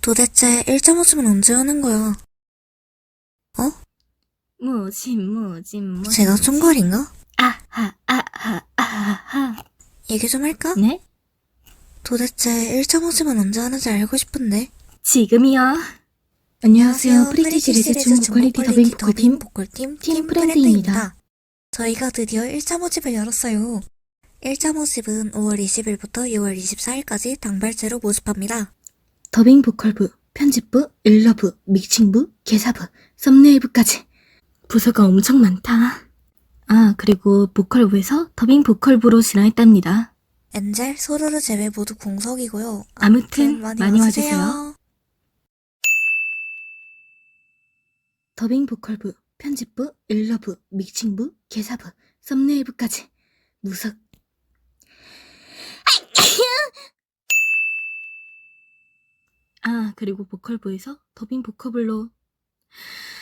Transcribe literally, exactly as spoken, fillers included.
도대체 일 점 오 집은 언제 하는 거야? 어? 무진 무진 무진 제가 총괄인가? 아하 아하 아하. 얘기 좀 할까? 네? 도대체 일 점 오 집은 언제 하는지 알고 싶은데. 지금이요. 안녕하세요. 프리티 프리티 시리즈 중국 퀄리티 더빙 보컬팀 보컬팀 팀 팀 프렌드입니다. 프렌드입니다. 저희가 드디어 일 점 오 집을 열었어요. 일 점 오 집은 오월 이십일부터 유월 이십사일까지 당발제로 모집합니다. 더빙 보컬부, 편집부, 일러부, 믹싱부, 개사부, 썸네일부까지 부서가 엄청 많다. 아, 그리고 보컬부에서 더빙 보컬부로 진화했답니다. 엔젤, 소르르 제외 모두 공석이고요. 아무튼 많이 와주세요. 더빙 보컬부, 편집부, 일러부, 믹싱부, 개사부, 썸네일부까지 무석. 아, 그리고 보컬부에서 더빙 보컬블로